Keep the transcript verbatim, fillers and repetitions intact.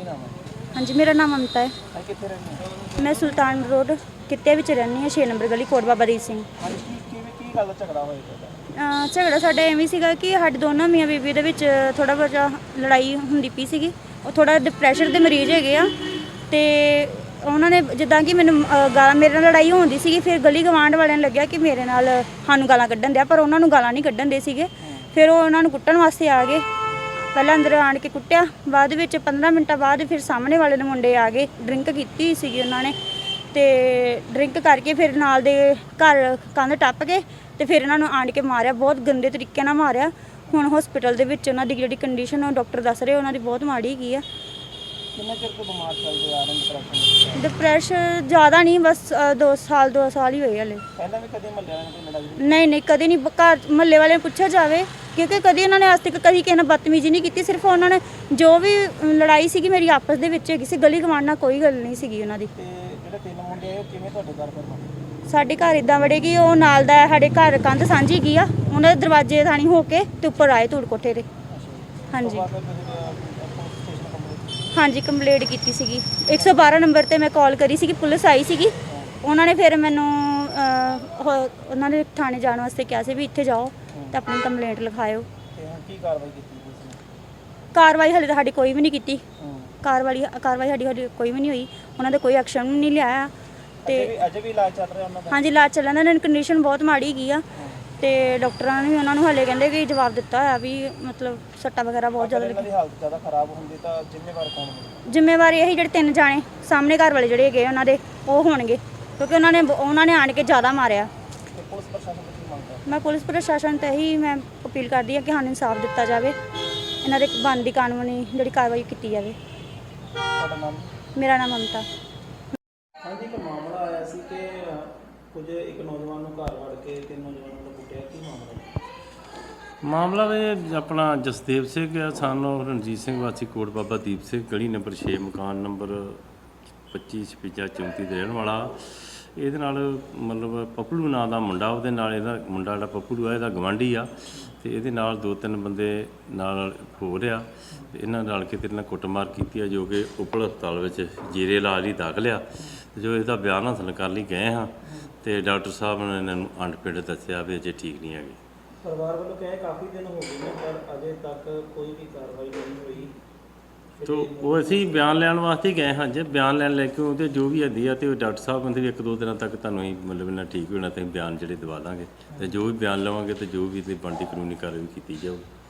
ਨਾਮ ਹੈ? ਹਾਂਜੀ, ਮੇਰਾ ਨਾਮ ਮਮਤਾ ਹੈ। ਹਾਂ, ਕਿੱਥੇ ਰਹਿੰਦੇ ਹੋ? ਮੈਂ ਸੁਲਤਾਨ ਰੋਡ ਕਿੱਤੇ ਵਿੱਚ ਰਹਿੰਦੀ ਹਾਂ, ਛੇ ਨੰਬਰ ਗਲੀ, ਕੋਟ ਬਾਬਾ ਦੀਪ ਸਿੰਘ। ਹਾਂਜੀ, ਕੀ ਕਿਵੇਂ ਕੀ ਗੱਲ ਦਾ ਝਗੜਾ ਹੋਇਆ ਤੁਹਾਡਾ? ਅਹ ਝਗੜਾ ਸਾਡਾ ਐਵੇਂ ਸੀਗਾ ਕਿ ਸਾਡੇ ਦੋਨਾਂ ਮੀਆਂ ਬੀਬੀ ਦੇ ਵਿੱਚ ਥੋੜ੍ਹਾ ਬਹੁਤਾ ਲੜਾਈ ਹੁੰਦੀ ਪਈ ਸੀਗੀ। ਉਹ ਥੋੜ੍ਹਾ ਡਿਪਰੈਸ਼ਨ ਦੇ ਮਰੀਜ਼ ਹੈਗੇ ਆ, ਅਤੇ ਉਹਨਾਂ ਨੇ ਜਿੱਦਾਂ ਕਿ ਮੈਨੂੰ ਅਹ ਗਾਲਾਂ ਮੇਰੇ ਨਾਲ ਲੜਾਈ ਹੁੰਦੀ ਸੀਗੀ। ਫਿਰ ਗਲੀ ਗਵਾਂਢ ਵਾਲਿਆਂ ਨੂੰ ਲੱਗਿਆ ਕਿ ਮੇਰੇ ਨਾਲ ਸਾਨੂੰ ਗਾਲਾਂ ਕੱਢਣ ਦਿਆ, ਪਰ ਉਹਨਾਂ ਨੂੰ ਗਾਲਾਂ ਨਹੀਂ ਕੱਢਣ ਦੇ ਸੀਗੇ। ਫਿਰ ਉਹ ਉਹਨਾਂ ਨੂੰ ਕੁੱਟਣ ਵਾਸਤੇ ਆ ਗਏ। ਪਹਿਲਾਂ ਅੰਦਰ ਆਣ ਕੇ ਕੁੱਟਿਆ, ਬਾਅਦ ਵਿੱਚ ਪੰਦਰਾਂ ਮਿੰਟਾਂ ਬਾਅਦ ਫਿਰ ਸਾਹਮਣੇ ਵਾਲੇ ਦੇ ਮੁੰਡੇ ਆ ਗਏ। ਡਰਿੰਕ ਕੀਤੀ ਹੋਈ ਸੀਗੀ ਉਹਨਾਂ ਨੇ, ਅਤੇ ਡਰਿੰਕ ਕਰਕੇ ਫਿਰ ਨਾਲ ਦੇ ਘਰ ਕੰਧ ਟੱਪ ਕੇ ਅਤੇ ਫਿਰ ਇਹਨਾਂ ਨੂੰ ਆਣ ਕੇ ਮਾਰਿਆ, ਬਹੁਤ ਗੰਦੇ ਤਰੀਕੇ ਨਾਲ ਮਾਰਿਆ। ਹੁਣ ਹੋਸਪਿਟਲ ਦੇ ਵਿੱਚ ਉਹਨਾਂ ਦੀ ਜਿਹੜੀ ਕੰਡੀਸ਼ਨ ਉਹ ਡਾਕਟਰ ਦੱਸ ਰਹੇ ਉਹਨਾਂ ਦੀ ਬਹੁਤ ਮਾੜੀ ਹੈਗੀ ਆ। ਕਿੰਨਾ ਚਿਰ ਤੋਂ ਬਿਮਾਰ ਚੱਲਦੇ ਆ ਰਹੇ ਡਿਪਰੈਸ਼ਨ? ਡਿਪਰੈਸ਼ਨ ਜ਼ਿਆਦਾ ਨਹੀਂ, ਬਸ ਅ, ਦੋ ਸਾਲ ਦੋ ਸਾਲ ਹੀ ਹੋਏ ਹਲੇ। ਪਹਿਲਾਂ ਵੀ ਕਦੇ ਮਹੱਲੇ ਵਾਲਿਆਂ ਨਾਲ ਕੋਈ ਲੜਾਈ? ਨਹੀਂ ਨਹੀਂ, ਕਦੇ ਨਹੀਂ। ਘਰ ਮਹੱਲੇ ਵਾਲਿਆਂ ਨੂੰ ਪੁੱਛਿਆ ਜਾਵੇ, ਕਿਉਂਕਿ ਕਦੀ ਉਹਨਾਂ ਨੇ ਅੱਜ ਤੱਕ ਕਦੀ ਕਿਸੇ ਨਾਲ ਬਦਤਮੀਜ਼ੀ ਨਹੀਂ ਕੀਤੀ। ਸਿਰਫ ਉਹਨਾਂ ਨੇ ਜੋ ਵੀ ਲੜਾਈ ਸੀਗੀ ਮੇਰੀ ਆਪਸ ਦੇ ਵਿੱਚ ਹੈਗੀ ਸੀ, ਗਲੀ ਗਵਾਂਢ ਨਾਲ ਕੋਈ ਗੱਲ ਨਹੀਂ ਸੀਗੀ ਉਹਨਾਂ ਦੀ। ਤੇ ਜਿਹੜੇ ਤਿੰਨ ਮੁੰਡੇ ਆਏ ਉਹ ਕਿਵੇਂ ਤੁਹਾਡੇ ਘਰ ਫਿਰ? ਸਾਡੇ ਘਰ ਇਦਾਂ ਵੜੇ ਕਿ ਉਹ ਨਾਲ ਦਾ ਸਾਡੇ ਘਰ ਕੰਧ ਸਾਂਝੀ ਗਈ ਆ, ਉਹਨਾਂ ਦੇ ਦਰਵਾਜ਼ੇ ਥਾਣੀ ਹੋ ਕੇ ਤੇ ਉੱਪਰ ਆਏ ਧੂੜ ਕੋਠੇ ਤੇ। ਹਾਂਜੀ ਹਾਂਜੀ, ਕੰਪਲੇਂਟ ਕੀਤੀ ਸੀਗੀ ਇੱਕ ਸੌ ਬਾਰਾਂ ਨੰਬਰ ਤੇ ਮੈਂ ਕਾਲ ਕਰੀ ਸੀਗੀ, ਪੁਲਿਸ ਆਈ ਸੀਗੀ। ਉਹਨਾਂ ਨੇ ਫਿਰ ਮੈਨੂੰ ਅਹ, ਉਹਨਾਂ ਨੇ ਥਾਣੇ ਜਾਣ ਵਾਸਤੇ ਕਿਹਾ ਸੀ ਵੀ ਇੱਥੇ ਜਾਓ ਤੇ ਆਪਣੀ ਕੰਪਲੇਂਟ ਲਿਖਾਇਓ। ਤੇ ਹੁਣ ਕੀ ਕਾਰਵਾਈ ਕੀਤੀ ਪੁਲਿਸ ਨੇ? ਕਾਰਵਾਈ ਹਾਲੇ ਤਾਂ ਸਾਡੀ ਕੋਈ ਵੀ ਨਹੀਂ ਕੀਤੀ। ਹੂੰ। ਕਾਰਵਾਈ ਕਾਰਵਾਈ ਸਾਡੀ ਸਾਡੀ ਕੋਈ ਵੀ ਨਹੀਂ ਹੋਈ। ਉਹਨਾਂ ਦੇ ਕੋਈ ਐਕਸ਼ਨ ਵੀ ਨਹੀਂ ਲਿਆ। ਤੇ ਤੇ ਅਜੇ ਵੀ ਇਲਾਜ ਚੱਲ ਰਿਹਾ ਉਹਨਾਂ ਦਾ? ਹਾਂਜੀ, ਇਲਾਜ ਚੱਲਣ ਦਾ। ਇਹਨਾਂ ਦੀ ਕੰਡੀਸ਼ਨ ਬਹੁਤ ਮਾੜੀ ਹੈਗੀ ਆ, ਤੇ ਡਾਕਟਰਾਂ ਨੇ ਵੀ ਉਹਨਾਂ ਨੂੰ ਹਾਲੇ ਕਹਿੰਦੇ ਕਿ ਜਵਾਬ ਦਿੱਤਾ ਹੋਇਆ ਵੀ ਮਤਲਬ ਸੱਟਾਂ ਵਗੈਰਾ ਬਹੁਤ ਜ਼ਿਆਦਾ ਇਹਨਾਂ ਲੱਗੀ। ਦੀ ਹਾਲਤ ਜ਼ਿਆਦਾ ਖਰਾਬ ਹੁੰਦੀ ਤਾਂ ਜ਼ਿੰਮੇਵਾਰ ਕੌਣ ਹੋਵੇਗਾ? ਜ਼ਿੰਮੇਵਾਰੀ ਇਹੀ ਜਿਹੜੇ ਤਿੰਨ ਜਾਣੇ ਸਾਹਮਣੇ ਘਰ ਵਾਲੇ ਜਿਹੜੇ ਹੈਗੇ ਉਹਨਾਂ ਦੇ ਉਹ ਹੋਣਗੇ, ਕਿਉਂਕਿ ਉਹਨਾਂ ਨੇ ਉਹਨਾਂ ਨੇ ਆਣ ਕੇ ਜ਼ਿਆਦਾ ਮਾਰਿਆ। ਤੇ ਪੁਲਿਸ ਪ੍ਰਸ਼ਾਸਨ ਤੋਂ ਕੀ ਮੰਗਦਾ? ਮੈਂ ਪੁਲਿਸ ਪ੍ਰਸ਼ਾਸਨ ਤੇ ਇਹੀ ਮੈਂ ਅਪੀਲ ਕਰਦੀ ਹਾਂ ਕਿ ਸਾਨੂੰ ਇਨਸਾਫ ਦਿੱਤਾ ਜਾਵੇ, ਇਹਨਾਂ ਦੇ ਬਣਦੀ ਕਾਨੂੰਨੀ ਜਿਹੜੀ ਕਾਰਵਾਈ ਕੀਤੀ ਜਾਵੇ। ਤੁਹਾਡਾ ਨਾਮ? ਮੇਰਾ ਨਾਮ ਮਮਤਾ। ਹਾਂਜੀ, ਇੱਕ ਮਾਮਲਾ ਆਇਆ ਸੀ ਕਿ ਕੁਝ ਇੱਕ ਨੌਜਵਾਨ ਨੂੰ ਘਰ ਵੜ ਕੇ ਤਿੰਨ ਨੌਜਵਾਨਾਂ ਨੂੰ ਕੁੱਟਿਆ, ਕੀ ਮਾਮਲਾ? ਮਾਮਲਾ ਇਹ ਆਪਣਾ ਜਸਦੇਵ ਸਿੰਘ ਆ, ਸਾਨੂੰ ਰਣਜੀਤ ਸਿੰਘ ਵਾਸੀ ਕੋਟ ਬਾਬਾ ਦੀਪ ਸਿੰਘ ਗਲੀ ਨੰਬਰ ਛੇ ਮਕਾਨ ਨੰਬਰ ਪੱਚੀ ਛਪੰਜਾ ਚੌਂਤੀ ਦੇ ਰਹਿਣ ਵਾਲਾ। ਇਹਦੇ ਨਾਲ ਮਤਲਬ ਪੱਪਲੂ ਨਾਂ ਦਾ ਮੁੰਡਾ, ਉਹਦੇ ਨਾਲ ਇਹਦਾ ਮੁੰਡਾ ਜਿਹੜਾ ਪੱਪਲੂ ਆ ਇਹਦਾ ਗਵਾਂਢੀ ਆ, ਅਤੇ ਇਹਦੇ ਨਾਲ ਦੋ ਤਿੰਨ ਬੰਦੇ ਨਾਲ ਹੋ ਰਿਹਾ, ਅਤੇ ਇਹਨਾਂ ਨਾਲ ਕੇ ਤੇ ਨਾਲ ਕੁੱਟਮਾਰ ਕੀਤੀ ਆ, ਜੋ ਕਿ ਉਪਲ ਹਸਪਤਾਲ ਵਿੱਚ ਜੀਰੇ ਇਲਾਜ ਲਈ ਦਾਖਲ ਆ। ਜੋ ਇਹਦਾ ਬਿਆਨ ਹਾਸਲ ਕਰਨ ਲਈ ਗਏ ਹਾਂ, ਅਤੇ ਡਾਕਟਰ ਸਾਹਿਬ ਨੇ ਇਹਨਾਂ ਨੂੰ ਅੰਡ ਪਿੰਡ ਦੱਸਿਆ ਵੀ ਅਜੇ ਠੀਕ ਨਹੀਂ ਹੈਗੇ। ਪਰਿਵਾਰ ਵੱਲੋਂ ਕਹੇ ਕਾਫੀ ਦਿਨ ਹੋ ਗਏ ਨੇ ਪਰ ਅਜੇ ਤੱਕ ਕੋਈ ਵੀ ਕਾਰਵਾਈ ਨਹੀਂ ਹੋਈ। ਤੋ ਉਹ ਅਸੀਂ ਬਿਆਨ ਲੈਣ ਵਾਸਤੇ ਗਏ ਹਾਂ। ਜੇ ਬਿਆਨ ਲੈਣ ਲੈ ਕੇ ਉਹਦੇ ਜੋ ਵੀ ਹੁੰਦੀ ਆ, ਤੇ ਉਹ ਡਾਕਟਰ ਸਾਹਿਬ ਕਹਿੰਦੇ ਵੀ ਇੱਕ ਦੋ ਦਿਨਾਂ ਤੱਕ ਤੁਹਾਨੂੰ ਅਸੀਂ ਮਤਲਬ ਇਹਨਾਂ ਠੀਕ ਹੋਣਾ, ਤੇ ਅਸੀਂ ਬਿਆਨ ਜਿਹੜੇ ਦਵਾ ਦਾਂਗੇ, ਅਤੇ ਜੋ ਵੀ ਬਿਆਨ ਲਵਾਂਗੇ ਅਤੇ ਜੋ ਵੀ ਇਹਦੀ ਬਣਦੀ ਕਾਨੂੰਨੀ ਕਾਰਵਾਈ ਕੀਤੀ ਜਾਊ।